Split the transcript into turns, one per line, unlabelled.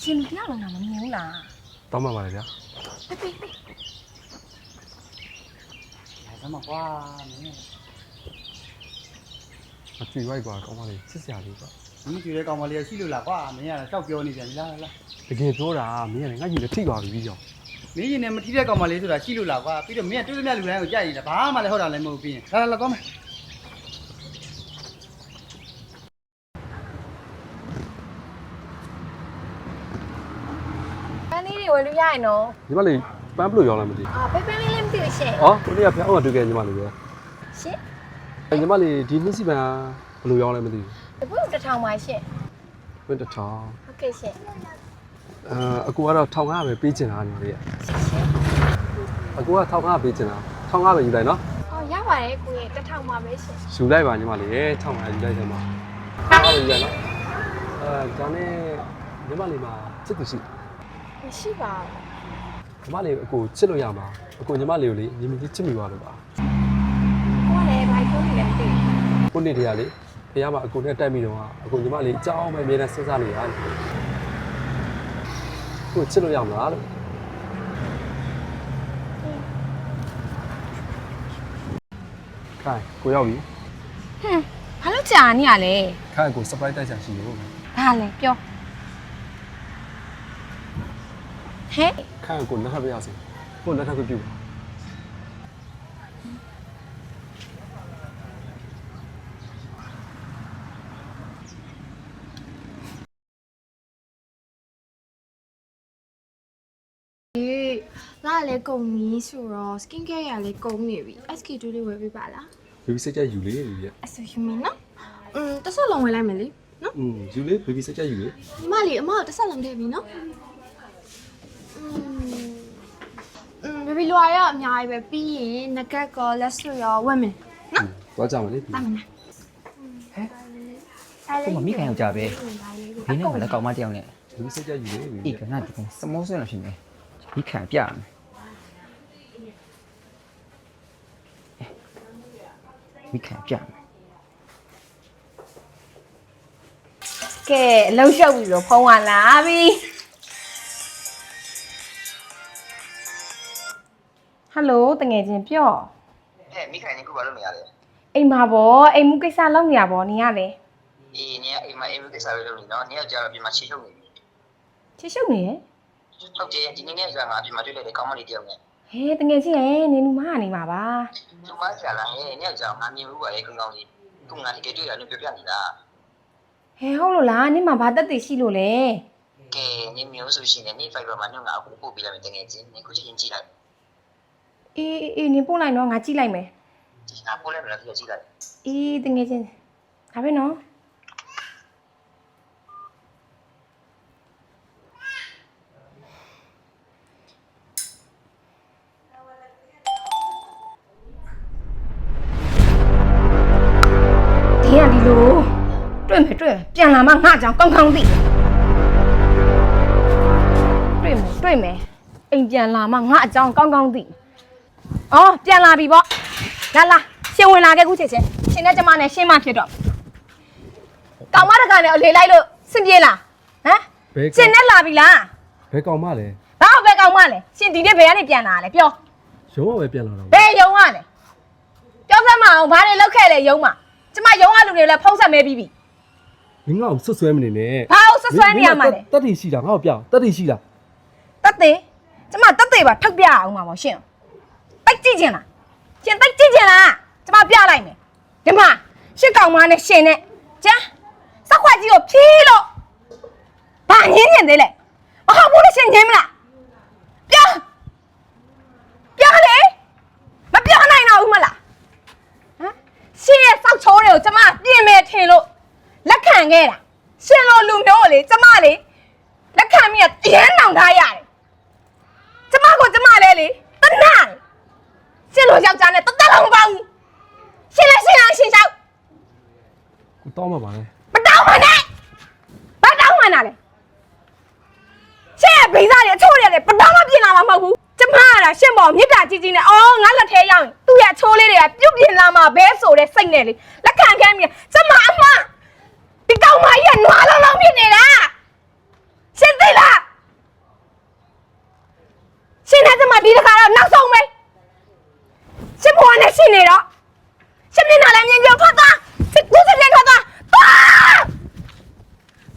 ရှင်တယောက်လုံးတော့မမြင်ဘူးလား
တောင်းပါပါလေဗျာ
ပေး
စမ်းမကွာမင်း
မကြည့်ရိုက်ကွာကောင်းပါလေစစ်စရာလေးကွာ
မင်းကြည့်တဲ့ကောင်မလေးရှိလို့လားကွာမင်းကလည်းရှောက်ပြောနေပြန်ပြီလား
တကယ်ပြောတာမင်းကလည်းငါ့ကြီးလည်းထိသွားပြီကြောင်
မင်းရင်နဲ့မထိတဲ့ကောင်မလေးဆိုတာရှိလို့လားကွာပြီးတော့မင်းကတွေ့သမျှလူတိုင်းကိုကြိုက်နေတာဘာမှလည်းဟုတ်တာလည်းမဟုတ်ပြီးရင်လာကောင်းမယ်
ပန်းလေးတွေဝယ်လို့ရရင်နော်
ညီမလေးပန်းဘလို့ရောင်းလိုက်မသိ
ပန်းလေးလည်းမသိဘူးရှင်
ဟောကိုနေ့ကဖျောင်းအောင်တွေ့ခဲ့ညီမလေးပဲ
ရှင်
ညီမလေးဒီနှစ်စီပန်းဘလို့ရောင်းလိုက်မသိ
ဘူးအခု1000ပါရှင်
ဘယ်1000
ဟုတ်ကဲ့ရှင်
အကူကတော့1500ပဲပေးချင်တာညီမလေးရဲ့အကူက1500ပေးချင်တာ1500ပဲယူလိုက်နော်
ရပါတယ်ကိုရဲ့1000ပါပဲရှင်
ယူလိုက်ပါညီမလေးရဲ့1500ယူလိုက်တယ်မှာ1500ယူလိုက်နော်ဒါနဲ့ညီမလေးမှာချစ်သူရှိ
မရှိပါ
ဘူးညီမလေးအကူချစ်လို့ရမှာအကူညီမလေးကိုလေညီမကြီးချစ်မိပါလို့ပါ
ကိုကလည်းဘာပြောနေလဲမသိဘူး
ကိုနေ့တည်းကလေဖះမှာအကူနဲ့တိုက်မိတော့အကူညီမလေးအကြောင်းပဲအမြဲတမ်းစဉ်းစားနေတာကိုချစ်လို့ရမလားလို့ခိုင်ကိုရောက်ပြီ
ဘာလို့ကြာနေရလဲ
ခိုင်ကို surprise တိုက်ချင်ရှိလို့
ဘာလဲပြောဟဲ့
ခိုင်ကိုလက်ထပ်ပြရစီကိုလက်ထပ်ပြု
လာလေကုန်ပြီဆိုတော့ skin care ရလေကုန်နေပြီ SK2 လေးဝယ်ပေးပါလား
baby စိတ်ကြယူလေယူရ
အဆူယူမင်းနော်တစ်ဆက်လုံးဝယ်လိုက်မယ်လေနော်
ယူလေ baby စိတ်ကြယူလေ
မလေးအမတစ်ဆက်လုံးထည့်ပြီနော်baby လွာရအများကြီးပဲပြီးရင်ငကတ်ကောလက်စွပ်ရောဝက်မယ်နော်
သွားကြမလေး
ဟဲ့ကိုမမိခံရောက်ကြပဲဒီနေ့ကလည်းကောင်းမတယောက်နဲ့
baby စိတ်ကြယူလေ
အေးကနဒီကစမောစင်းလို့ရှိနေမိခံပြမယ်မိခံပြမယ်
ကဲအလုံးရှုပ်ပြီတော့ဖုံးလာလာပြီဟယ်လိုတငယ်ချင်းပြော
ဟဲ့မိခိုင်နေခုဘာလုပ်နေရလဲ
အိမ်မှာဗောအိမ်မှုကိစ္စလုပ်နေရဗောနေရလေ
အေးနေအိမ်မှာအိမ်မှုကိစ္စလုပ်နေနော်နေရောက်ကြတော့ပြင်မှာချီရှုပ်နေပြီ
ချီရှုပ်နေရ
ဟုတ်တယ်ဒီနေ့ကငါပြင်မှာတွေ့လိုက်တယ်ကောင်းမလေးတယောက်နဲ့
ဟဲတငယ်ချင်းရဲ့နေလူမကနေပါပါ
လူမဆရာလားဟဲ့နေရောက်ကြငါမြင်ဘူးပါလေကောင်းကောင်းလေးခုငါတကယ်တွေ့ရတယ်ပြောပြနေတာ
ဟဲဟုတ်လို့လားနေမှာဘာတက်တည်ရှိလို့လဲ
ကဲနေမျိုးဆိုရှင်နေ Fiber မှာငါအခုပို့ပေးလိုက်မယ်တကယ်ချင်းနေခုချင်းကြည့်လိုက်
အေးနေပို့လိုက်နော်ငါကြည့်လိုက်မယ်
ငါပို့လိုက်မယ်လားကြည့်လိုက်
အေးတငယ်ချင်းဒါပဲနော်ဒီလိုတွေ့မယ်ပြန်လာမှငါ့ကြောင်ကောင်းကောင်းသိတွေ့မယ်အိမ်ပြန်လာမှငါအကြောင်းကောင်းကောင်းသိအော်ပြန်လာပြီပေါ့လာရှင်ဝင်လာခဲ့ခုချက်ချင်းရှင်နဲ့ကျမနဲ့ရှင်းမဖြစ်တော့ကောင်မတကာနဲ့အလေလိုက်လို့စင်ပြေလားဟမ်ရှင်နဲ့လာပြီလား
ဘယ်ကောင်မလဲ
ဘာဘယ်ကောင်မလဲရှင်ဒီနေ့ဘယ်ကနေပြန်လာလဲပြော
ရုံးကပဲပြန်လာတော့
ဘယ်ရုံးကလဲပြောစမ်းမအောင်ဘာတွေလောက်ခဲ့လဲရုံးမှာကျမရုံးကလူတွေလည်းဖုံးဆက်မဲပြီးပြီ
မင်းငါ့ကိုဆွဆွဲမနေနဲ့
ဘာလို့ဆွဆွဲနေရမှာလဲ
တက်တီရှိတာငါ့ကိုပြောတက်တီရှိတာ
တက်သေးကျမတက်သေးပါထုတ်ပြအောင်ပါပေါ့ရှင်တိုက်ကြည့်ချင်လားရှင်တိုက်ကြည့်ချင်လားကျမပြလိုက်မယ်ဒီမှာရှစ်ကောင်မနဲ့ရှင်နဲ့ကျန်းစက်ခွက်ကြီးကိုဖြီးလို့ဘာငင်းနေသေးလဲမဟုတ်ဘူးလေရှင်ငင်းမလားပြောလေမပြောနိုင်တော့ဘူးမလားဟမ်ရှင်ရဲ့စောက်ချိုးတွေကိုကျမပြင်မယ်ထင်လို့လက်ခံခဲ့တာရှင်လိုလူမျိုးကိုလေကျမလေလက်ခံပြီးတရမ်းနောင်ထားရတယ်ကျမလဲလေတနာရှင်လိုယောက်ျားနဲ့တသက်လုံးမပေါဘူးရှင်လဲရှင်အောင်ရှင်ချောက်
ကိုတောင်းမှာပါလေ
မတောင်းပါနဲ့ဘာတောင်းမှန်းတာလဲရှင်ရဲ့ဗိစားတွေအချိုးတွေလည်းပတောင်းမပြင်လာမှာမဟုတ်ဘူးကျမကလားရှင်ပေါ်မြစ်တာကြီးကြီးနဲ့အော်ငါလက်ထဲရောက်ရင်သူ့ရဲ့အချိုးလေးတွေကပြုတ်ပြင်လာမှာဘဲဆိုတဲ့စိတ်နဲ့လေလက်ခံခဲ့ပြီးကျမအမဒီကောင်မကြီးကနွားလုံးလုံးဖြစ်နေတာရှင်သိလားနဲ့ကျမဒီတစ်ခါတော့နောက်ဆုံးပဲရှင်ဘွားနဲ့ရှင်နေတော့ရှင်မျက်နှာလည်းမြင်ကြထွက်သွား